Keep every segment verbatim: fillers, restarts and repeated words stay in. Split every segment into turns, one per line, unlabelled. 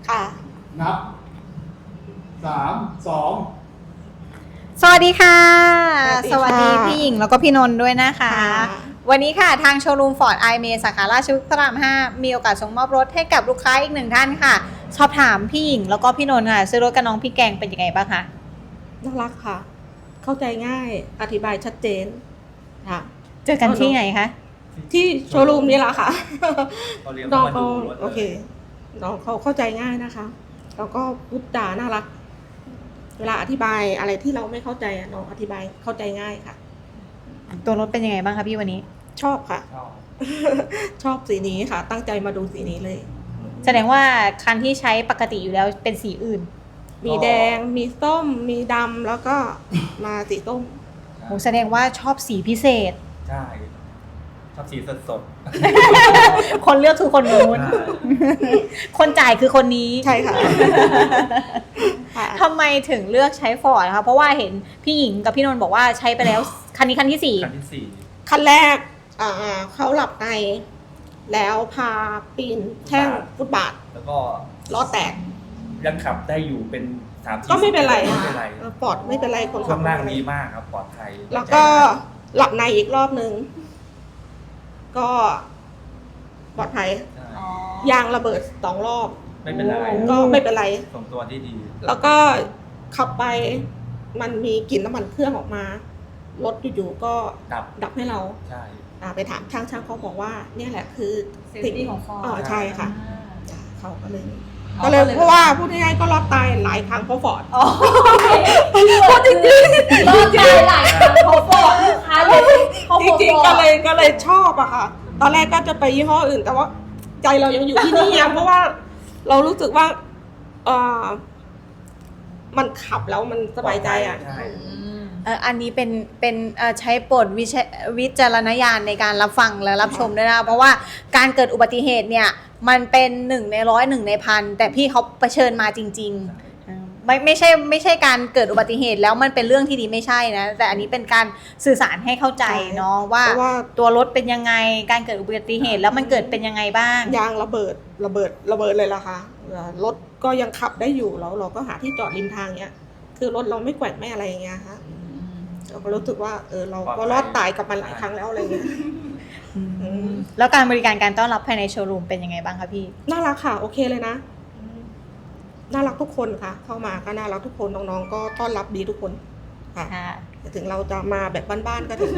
ค่ะ
นับสามสอง
สวัสดีค่ะ
สวัสดีค่ะ
พี่หญิงแล้วก็พี่นนท์ด้วยนะคะ
ค่ะ
วันนี้ค่ะทางโชว์รูมฟอร์ดไอเมสาขาราชพฤกษ์พระรามห้ามีโอกาสส่งมอบรถให้กับลูกค้าอีกหนึ่งท่านค่ะสอบถามพี่หญิงแล้วก็พี่นนท์ค่ะซื้อรถกับน้องพี่แกงเป็นยังไงบ้างคะ
น่ารักค่ะ เข้าใจง่ายอธิบายชัดเจนค่ะ
เจอกันที่ไหนคะ
ที่โชว์รูมนี่แหละค่ะ
เขาเรียก
น้อง
ว่า
เขา
มาดูรถ
โอเคน้องเขาเข้าใจง่ายนะคะแล้วก็พูดจาน่ารัก เวลาอธิบายอะไรที่เราไม่เข้าใจอะน้องอธิบายเข้าใจง่ายค่ะ
ตัวรถเป็นยังไงบ้างคะพี่วันนี้
ชอบค่ะ
ชอบ
ชอบสีนี้ค่ะ ตั้งใจมาดูสีนี้เลย
แสดงว่าคันที่ใช้ปกติอยู่แล้วเป็นสีอื่น
มีแดงมีส้มมีดำแล้วก็มาสีส้ม
โหแสดงว่าชอบสีพิเศษ
ใช่ชอบสีสดสด
คนเลือกคือคนนู้น คนจ่ายคือคนนี้
ใช่ค่ะ ค่ะ
ทำไมถึงเลือกใช้ฟอร์ดนะคะเพราะว่าเห็นพี่หญิงกับพี่นนท์บอกว่าใช้ไปแล้วคันนี้คันที่สี่
คันที่สี่
ขั้นแรกอ่าเขาหลับใน แล้วพาปีนแท่งฟุตบาท
แล้วก็
ล้อแตก
ยังขับได้อยู่เป็นสามสี่
ก็ไม่เป็นไร
ไม่เป็นไร
เออปลอดไม่เป็นไรคน
ช่
ขั
ว
บ
งล่าง
ไม่เป็นไร
ดีมากครับปลอดภัย
แล้วก็หลับในอีกรอบนึง ก็ปลอดภัย
ใช่
ยางระเบิดสองรอบ
ไม่เป็นไร
ก็ไม่เป็นไร
ส่งตัวที่ดี
แล้วก็ขับไปมันมีกลิ่นน้ำมันเครื่องออกมา รถอยู่ๆก็
ดับ
ดับให้เรา
ใช่
อ่าไปถามช่างช่างเขาบอกว่า เนี่ยแหละคือ
Safety ของ Ford
อ๋อใช่ค่ะจ้ะเขาก็เลย
อ๋อ
ก็เลย
ก็เลย
เพราะว่าพูดง่ายๆก็รอดตายหลายครั้งเพราะฟอร์ด
อ๋อพูดจริงๆรอดใจหลายครั้งเขาฟอร์ดลูกค้าเลยเขา
จ
ฟอร์ด
ริงๆก็เลยก็เลยชอบอะค่ะ ตอนแรกก็จะไปยี่ห้ออื่น แต่ว่าใจเรายังอยู่ที่นี่อะ เพราะว่าเรารู้สึกว่าเออมันขับแล้วมันสบายใจอะ
ใช่
เอ่ออันนี้เป็นเป็นเอ่อใช้โปรดวิจวิจารณญาณในการรับฟังและรับชมด้วยนะเพราะว่าการเกิดอุบัติเหตุเนี่ยมันเป็นหนึ่งในร้อยหนึ่งในพันแต่พี่เขาเผชิญมาจริงๆเออไม่ไม่ใช่ไม่ใช่การเกิดอุบัติเหตุแล้วมันเป็นเรื่องที่ดีไม่ใช่นะแต่อันนี้เป็นการสื่อสารให้เข้าใจเนาะว่า
เพราะว่า
ตัวรถเป็นยังไงการเกิดอุบัติเหตุแล้วมันเกิดเป็นยังไงบ้าง
ยางระเบิดระเบิดระเบิดเลยล่ะค่ะเอ่อรถก็ยังขับได้อยู่แล้วเราก็หาที่จอดริมทางเนี้ย คือรถเราไม่แกว่งไม่อะไรอย่างเงี้ยค่ะเราก็รู้สึกว่าเออเราก็รอดตายกับมันหลายครั้งแล้วอะไรเงี้ย
อืมแล้วการบริการการต้อนรับภายในโชว์รูมเป็นยังไงบ้างคะพี่
น่ารักค่ะ โอเคเลยนะน่ารักทุกคนค่ะ เข้ามาก็น่ารักทุกคนน้องๆก็ต้อนรับดีทุกคนค่ะ
ค่ะ
แต่ถึงเราจะมาแบบบ้านๆก็ถึง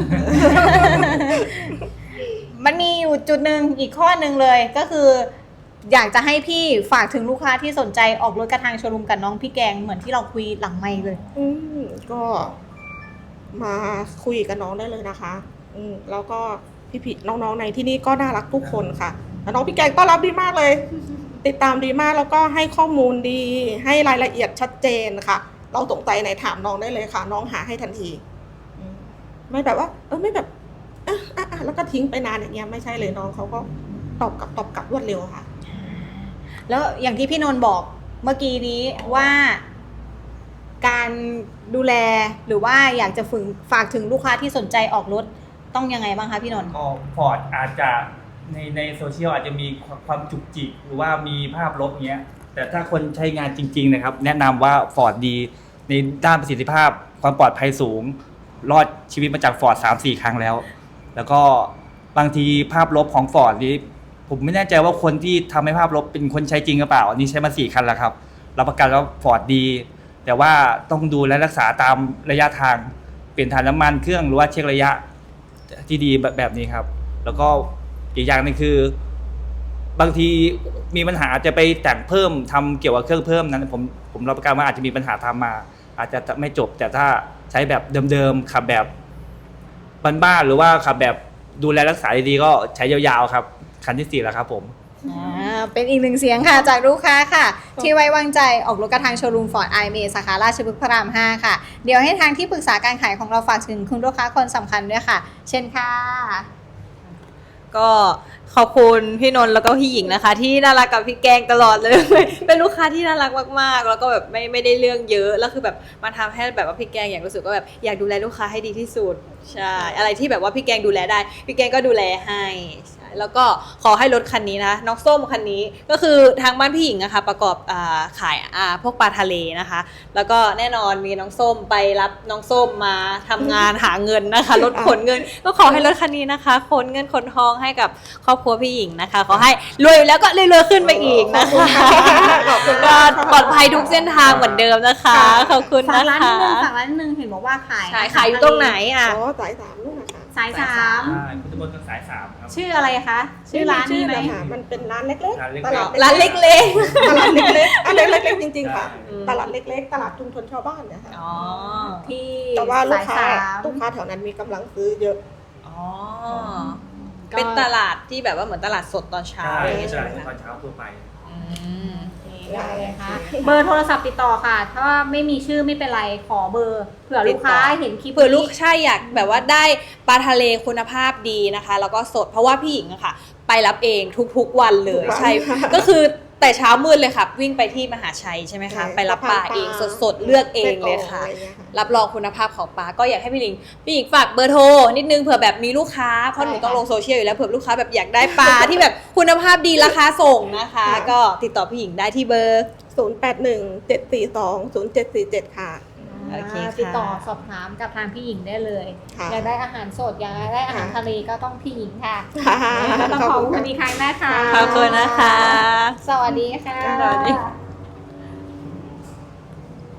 มันมีอยู่จุดหนึ่งอีกข้อหนึ่งเลยก็คือ อยากจะให้พี่ฝากถึงลูกค้าที่สนใจออกรถกระทางโชว์รูมกับน้องพี่แกงเหมือนที่เราคุยหลังไมค์เลย
อืมก็มาคุยกับน้องได้เลยนะคะ อืมแล้วก็พี่ๆน้องๆในที่นี่ก็น่ารักทุกคนค่ะแล้วน้องพี่แกงต้อนรับดีมากเลย ติดตามดีมากแล้วก็ให้ข้อมูลดี ให้รายละเอียดชัดเจนค่ะ เราสงสัยไหนถามน้องได้เลยค่ะ น้องหาให้ทันทีอืมไม่แบบว่า เออไม่แบบอ่ะอ่ะอ่ะแล้วก็ทิ้งไปนานอย่างเงี้ยไม่ใช่เลยน้องเขาก็ตอบกลับตอบกลับรวดเร็วค่ะ
แล้วอย่างที่พี่นนท์บอกเมื่อกี้นี้ว่าการดูแลหรือว่าอยากจะฝึกฝากถึงลูกค้าที่สนใจออกรถต้องยังไงบ้างคะพี่นนท์
ก็ฟอร์ดอาจจะในในโซเชียลอาจจะมีความจุกจิกหรือว่ามีภาพลบเงี้ยแต่ถ้าคนใช้งานจริงๆนะครับแนะนำว่าฟอร์ดดีในด้านประสิทธิภาพความปลอดภัยสูง รอดชีวิตมาจากฟอร์ดสามสี่ครั้งแล้ว แล้วก็บางทีภาพลบของฟอร์ดนี้ผมไม่แน่ใจว่าคนที่ทำให้ภาพลบเป็นคนใช้จริงหรือเปล่าอันนี้ใช้มาสี่คันแล้วครับรับประกันว่าฟอร์ดดีแต่ว่าต้องดูและรักษาตามระยะทางเปลี่ยนถ่านน้ำมันเครื่องหรือว่าเช็คระยะที่ดีแบบแบบนี้ครับแล้วก็อีกอย่างนึงคือบางทีมีปัญหาจะไปแต่งเพิ่มทำเกี่ยวกับเครื่องเพิ่มนั้นผมผมรับประกันว่าอาจจะมีปัญหาทำมา อาจจะไม่จบแต่ถ้าใช้แบบเดิมๆขับแบบบ้านๆหรือว่าขับแบบดูแลรักษาดีๆก็ใช้ยาวๆครับคันที่สี่แล้วครับผม
อ่าเป็นอีกหนึ่งเสียงค่ะจากลูกค้าค่ะ ที่ไว้วางใจออกรถกระทางโชว์รูมฟอร์ดไอเมสาขาราชพฤกษ์พระรามห้าค่ะ เดี๋ยวให้ทางที่ปรึกษาการขายของเราฝากถึงคุณลูกค้าคนสำคัญด้วยค่ะ เช่นค่ะ
ก็
ขอบคุณพี่นนท์แล้วก็พี่หญิงนะคะ ที่น่ารักกับพี่แกงตลอดเลย เป็นลูกค้าที่น่ารักมากๆแล้วก็แบบไม่ไม่ได้เรื่องเยอะแล้วคือแบบมาทำให้แบบว่าพี่แกงอย่างรู้สึกว่าแบบอยากดูแลลูกค้าให้ดีที่สุดใช่อะไรที่แบบว่าพี่แกงดูแลได้พี่แกงก็ดูแลให้ใช่แล้วก็ขอให้รถคันนี้นะน้องส้มคันนี้ก็คือทางบ้านพี่หญิงนะคะประกอบอ่าขายอ่าพวกปลาทะเลนะคะ แล้วก็แน่นอนมีน้องส้มไปรับน้องส้มมาทำงานหาเงินนะคะรถขนเงิน ก็ขอให้รถคันนี้นะคะขนเงินขนทองให้กับครอบครัวพี่หญิงนะคะขอให้รวยแล้วก็รวยๆขึ้นไปอีกนะคะก็ปลอดภัยทุกเส้นทางเหมือนเดิมนะคะขอบคุณ
ฝาก
นะ
ร้าน
คะ
นิดนึงฝากร้านนิดนึงเห็นบอกว่าขาย
ขายขายอยู่ตรงไหนอ่ะ
อ๋อสายสามนู่นนะคะ
สายสาม
ใช่พุทธมณฑลสายสามครับ
ชื่ออะไรคะชื่อร้านนี้ไหม
ชื่อเลยค่ะมันเป็นร้านเล็ก
ร้านเล็ก
ๆ
ๆ
ตลาด
ร้านเล็ก
ตลาดเล็กๆอันเล็กๆจริงๆค่ะ
อืม
ตลาดเล็กๆ ตลาดชุมชนชาวบ้านเนี่ยค่ะ
ๆอ๋อ
ที่
แต่ว่าลูกค้า
สายสาม
ลูกค้าแถวนั้นมีกำลังซื้อเยอะ
อ๋อเป็นตลาดที่แบบว่าเหมือนตลาดสดตอนเช้า
ใช่
อะไรอย่างเงี้ย
ใช่
ใช่ไหม
ตอ
คะ
นเช้าทั่วไป
อืม
ได้เลยค่ะเบอร์โทรศัพท์ติดต่อค่ะ ถ้าไม่มีชื่อไม่เป็นไรขอเบอร์เผื่อลูกค้าเห็นคลิป
เผื่อลูก
นี้
ใช่อยากแบบว่าได้ปลาทะเลคุณภาพดีนะคะ แล้วก็สดเพราะว่าพี่หญิงอะค่ะ ไปรับเองทุกๆวันเลย
ทุกวัน
ใช่ ก็คือแต่เช้ามืดเลยค่ะ วิ่งไปที่มหาชัยใช่ไหมคะ
ใช่
ไปรับปลา
สะพานปลา
เองสดๆเลือกเองเลยค่ะ
แม่กลองอะไรเงี้ยค่ะ
รับรองคุณภาพของปลาก็อยากให้พี่หญิงพี่หญิงฝากเบอร์โทรนิดนึงเผื่อแบบมีลูกค้าเพราะหนูต้องลงโซเชียลอยู่แล้วเผื่อลูกค้าแบบอยากได้ปลา ที่แบบคุณภาพดีราคาส่งนะคะ ก็ติดต่อพี่หญิงได้ที่เบอร์
ศูนย์แปดหนึ่งเจ็ดสี่สองศูนย์เจ็ดสี่เจ็ดค่ะ
โอเคค่ะ
ติดต่อสอบถามกับทางพี่หญิงได้เลย
ค่ะ
อยากได้อาหารสดอยากได้อาหาร
ค่ะ
ทะเลก็ต้องพี่หญิงค่ะ
ค่ะ
ก็ต้องขอบคุณอีกครั้งนะคะ
ขอบคุณนะคะ
สวัสดีค่ะ
สวัสดี